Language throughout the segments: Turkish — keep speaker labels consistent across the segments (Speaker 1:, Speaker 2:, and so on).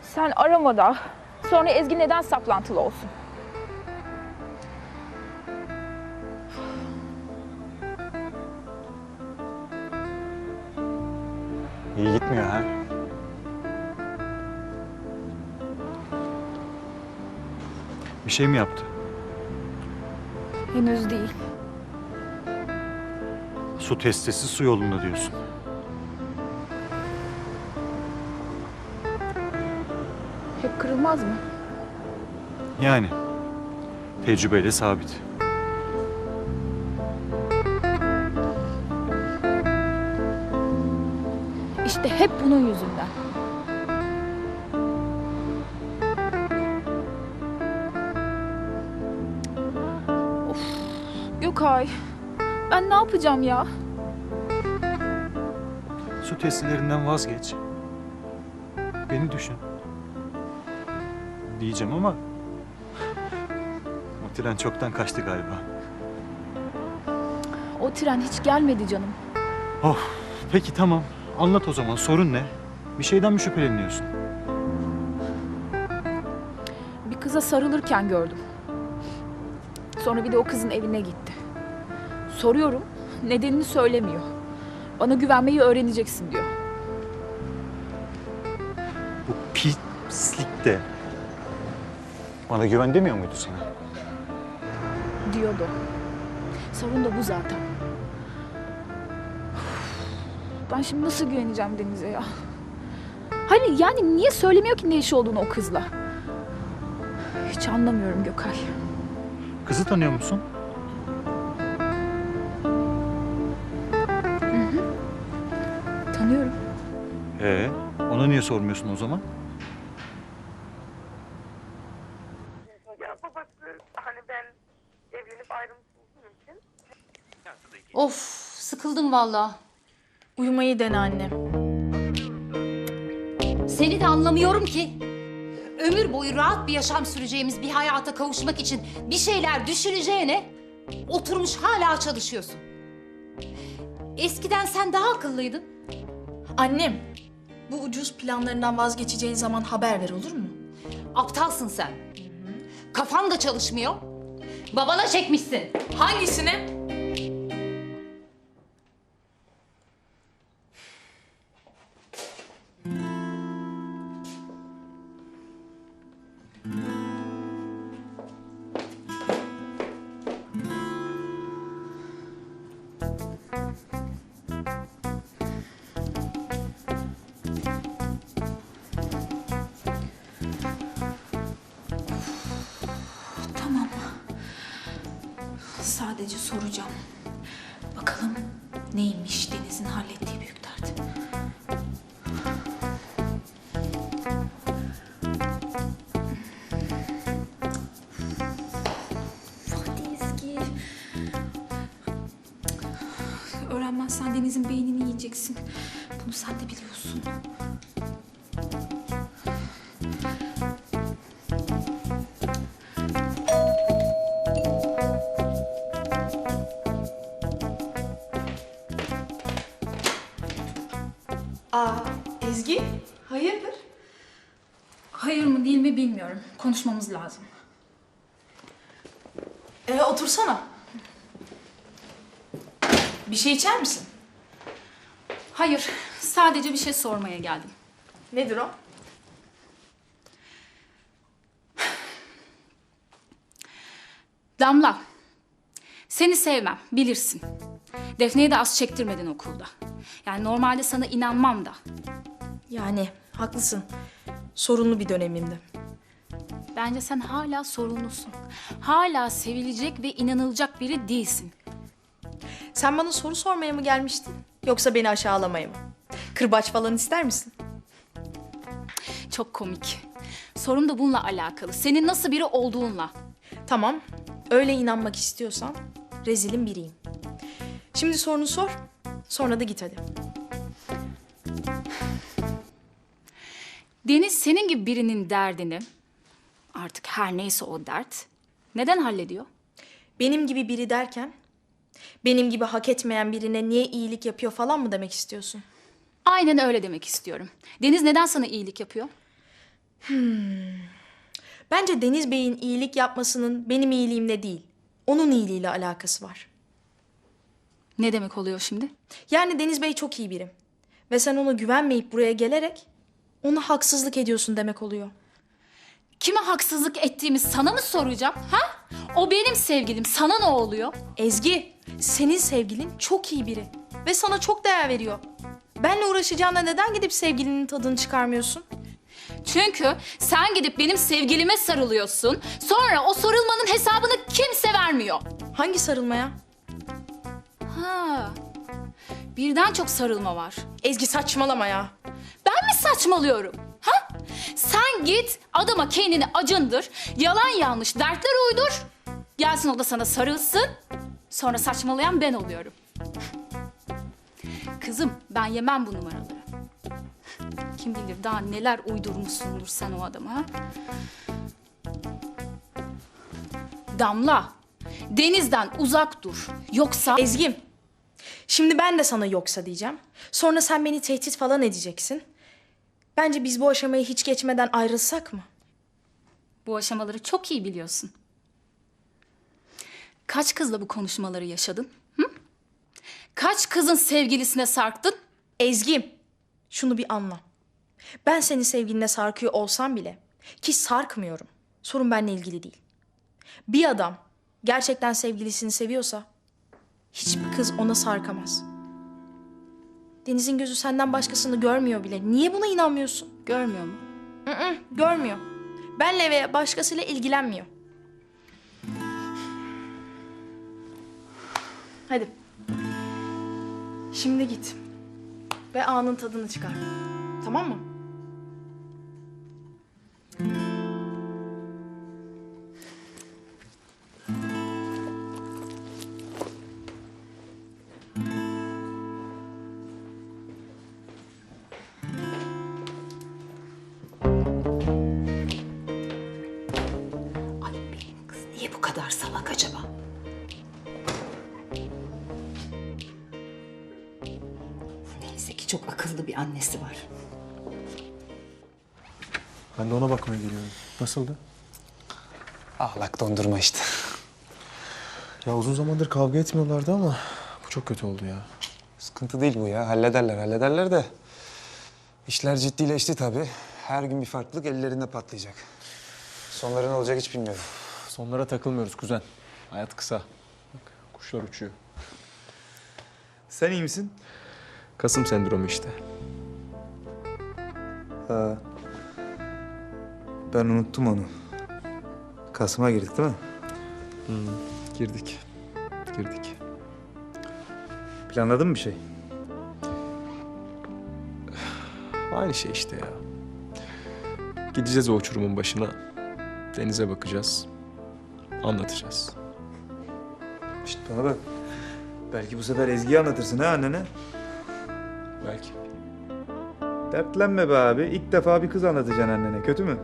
Speaker 1: Sen arama da. Sonra Ezgi neden saplantılı olsun?
Speaker 2: İyi gitmiyor ha. Bir şey mi yaptı?
Speaker 1: Henüz değil.
Speaker 2: Su testisi su yolunda diyorsun.
Speaker 1: Hep kırılmaz mı?
Speaker 2: Yani tecrübeyle sabit.
Speaker 1: İşte hep bunun yüzünden. Of, Gökay. Ben ne yapacağım ya?
Speaker 2: Su testilerinden vazgeç. Beni düşün. Diyeceğim ama o tren çoktan kaçtı galiba.
Speaker 1: O tren hiç gelmedi canım.
Speaker 2: Of, peki tamam. Anlat o zaman. Sorun ne? Bir şeyden mi şüpheleniyorsun?
Speaker 1: Bir kıza sarılırken gördüm. Sonra bir de o kızın evine gitti. Soruyorum, nedenini söylemiyor. Bana güvenmeyi öğreneceksin diyor.
Speaker 2: Bu pislik de bana güven demiyor muydu sana?
Speaker 1: Diyordu. Sorun da bu zaten. Ben şimdi nasıl güveneceğim Deniz'e ya? Hani yani niye söylemiyor ki ne işi olduğunu o kızla? Hiç anlamıyorum Gökay.
Speaker 2: Kızı tanıyor musun?
Speaker 1: Tanıyorum.
Speaker 2: Ona niye sormuyorsun o zaman?
Speaker 3: Ya babası hani ben evlenip ayrılmışım için.
Speaker 4: Of, sıkıldım vallahi.
Speaker 5: Uyumayı dene anne.
Speaker 4: Seni de anlamıyorum ki. Ömür boyu rahat bir yaşam süreceğimiz bir hayata kavuşmak için bir şeyler düşüneceğine oturmuş hala çalışıyorsun. Eskiden sen daha akıllıydın.
Speaker 5: Annem, bu ucuz planlarından vazgeçeceğin zaman haber ver, olur mu?
Speaker 4: Aptalsın sen. Kafan da çalışmıyor. Babana çekmişsin.
Speaker 5: Hangisini? Tamam. Sadece soracağım. Bakalım neymiş Deniz'in hallettiği büyük dert. Hadi Ezgi. Öğrenmezsen Deniz'in beynini yiyeceksin. Bunu sen de biliyorsun.
Speaker 6: Ezgi, hayırdır?
Speaker 5: Hayır mı değil mi bilmiyorum. Konuşmamız lazım.
Speaker 6: Otursana. Bir şey içer misin?
Speaker 5: Hayır, sadece bir şey sormaya geldim.
Speaker 6: Nedir o?
Speaker 5: Damla, seni sevmem, bilirsin. Defne'ye de az çektirmedin okulda. Yani normalde sana inanmam da.
Speaker 6: Yani haklısın. Sorunlu bir dönemimdi.
Speaker 5: Bence sen hala sorumlusun. Hala sevilecek ve inanılacak biri değilsin.
Speaker 6: Sen bana soru sormaya mı gelmiştin? Yoksa beni aşağılamaya mı? Kırbaç falan ister misin?
Speaker 5: Çok komik. Sorum da bununla alakalı. Senin nasıl biri olduğunla.
Speaker 6: Tamam, öyle inanmak istiyorsan rezilin biriyim. Şimdi sorunu sor, sonra da git hadi.
Speaker 5: Deniz senin gibi birinin derdini, artık her neyse o dert, neden hallediyor?
Speaker 6: Benim gibi biri derken, benim gibi hak etmeyen birine niye iyilik yapıyor falan mı demek istiyorsun?
Speaker 5: Aynen öyle demek istiyorum. Deniz neden sana iyilik yapıyor?
Speaker 6: Bence Deniz Bey'in iyilik yapmasının benim iyiliğimle değil, onun iyiliğiyle alakası var.
Speaker 5: Ne demek oluyor şimdi?
Speaker 6: Yani Deniz Bey çok iyi biri. Ve sen ona güvenmeyip buraya gelerek ona haksızlık ediyorsun demek oluyor.
Speaker 5: Kime haksızlık ettiğimi sana mı soracağım? Ha? O benim sevgilim. Sana ne oluyor?
Speaker 6: Ezgi, senin sevgilin çok iyi biri. Ve sana çok değer veriyor. Benle uğraşacağına neden gidip sevgilinin tadını çıkarmıyorsun?
Speaker 5: Çünkü sen gidip benim sevgilime sarılıyorsun. Sonra o sarılmanın hesabını kimse vermiyor.
Speaker 6: Hangi sarılmaya?
Speaker 5: Ha. Birden çok sarılma var.
Speaker 6: Ezgi saçmalama ya.
Speaker 5: Ben mi saçmalıyorum? Ha? Sen git adama kendini acındır. Yalan yanlış dertler uydur. Gelsin o da sana sarılsın. Sonra saçmalayan ben oluyorum. Kızım ben yemem bu numaraları. Kim bilir daha neler uydurmuşsundur sen o adama. Ha? Damla, denizden uzak dur. Yoksa...
Speaker 6: Ezgi'm, şimdi ben de sana yoksa diyeceğim. Sonra sen beni tehdit falan edeceksin. Bence biz bu aşamayı hiç geçmeden ayrılsak mı?
Speaker 5: Bu aşamaları çok iyi biliyorsun. Kaç kızla bu konuşmaları yaşadın? Hı? Kaç kızın sevgilisine sarktın?
Speaker 6: Ezgi'm, şunu bir anla. Ben senin sevgiline sarkıyor olsam bile, ki sarkmıyorum. Sorun benimle ilgili değil. Bir adam gerçekten sevgilisini seviyorsa hiçbir kız ona sarkamaz. Deniz'in gözü senden başkasını görmüyor bile. Niye buna inanmıyorsun?
Speaker 5: Görmüyor mu?
Speaker 6: Görmüyor. Benle veya başkasıyla ilgilenmiyor. Hadi. Şimdi git. Ve anın tadını çıkar. Tamam mı?
Speaker 4: Ay benim kız niye bu kadar salak acaba? Neyse ki çok akıllı bir annesi var.
Speaker 7: Ben de ona bakmaya geliyorum. Nasıldı?
Speaker 2: Ahlak dondurma işte.
Speaker 7: Ya uzun zamandır kavga etmiyorlardı ama bu çok kötü oldu ya.
Speaker 2: Sıkıntı değil bu ya. Hallederler de. İşler ciddileşti tabii. Her gün bir farklılık ellerinde patlayacak. Sonları ne olacak hiç bilmiyorum.
Speaker 7: Sonlara takılmıyoruz kuzen. Hayat kısa. Bak kuşlar uçuyor.
Speaker 2: Sen iyi misin?
Speaker 7: Kasım sendromu işte.
Speaker 8: Ha. Ben unuttum onu. Kasım'a girdik değil mi?
Speaker 7: Girdik.
Speaker 8: Planladın mı bir şey?
Speaker 7: Aynı şey işte ya. Gideceğiz o uçurumun başına. Denize bakacağız. Anlatacağız.
Speaker 8: Şişt bana bak. Belki bu sefer Ezgi'yi anlatırsın ha annene.
Speaker 7: Belki.
Speaker 8: Dertlenme be abi. İlk defa bir kız anlatacaksın annene. Kötü mü?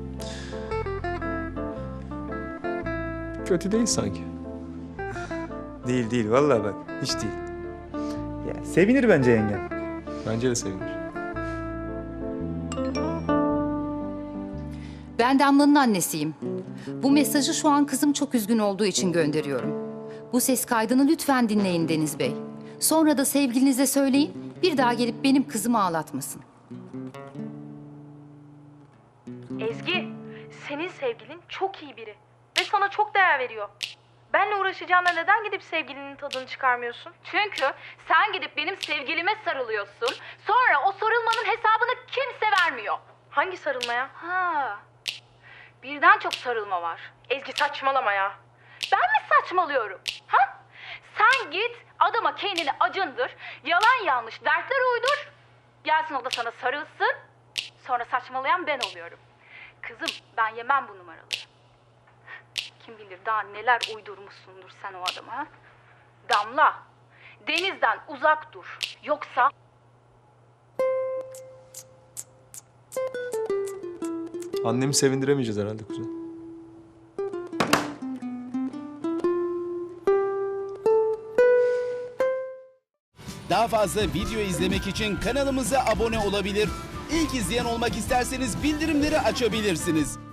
Speaker 7: Kötü değil sanki.
Speaker 8: Değil. Vallahi bak. Hiç değil. Ya, sevinir bence yengem.
Speaker 7: Bence de sevinir.
Speaker 4: Ben Damla'nın annesiyim. Bu mesajı şu an kızım çok üzgün olduğu için gönderiyorum. Bu ses kaydını lütfen dinleyin Deniz Bey. Sonra da sevgilinize söyleyin, bir daha gelip benim kızımı ağlatmasın.
Speaker 6: Ezgi, senin sevgilin çok iyi biri. Ve sana çok değer veriyor. Benle uğraşacağına neden gidip sevgilinin tadını çıkarmıyorsun?
Speaker 5: Çünkü sen gidip benim sevgilime sarılıyorsun. Sonra o sarılmanın hesabını kimse vermiyor.
Speaker 6: Hangi sarılmaya?
Speaker 5: Ha. Birden çok sarılma var.
Speaker 6: Ezgi saçmalama ya.
Speaker 5: Ben mi saçmalıyorum? Ha? Sen git adama kendini acındır. Yalan yanlış dertler uydur. Gelsin o da sana sarılsın. Sonra saçmalayan ben oluyorum. Kızım ben yemem bu numaraları. Kim bilir daha neler uydurmuşsundur sen o adama. Ha? Damla, denizden uzak dur. Yoksa...
Speaker 7: Annemi sevindiremeyeceğiz herhalde kuzen.
Speaker 9: Daha fazla video izlemek için kanalımıza abone olabilir. İlk izleyen olmak isterseniz bildirimleri açabilirsiniz.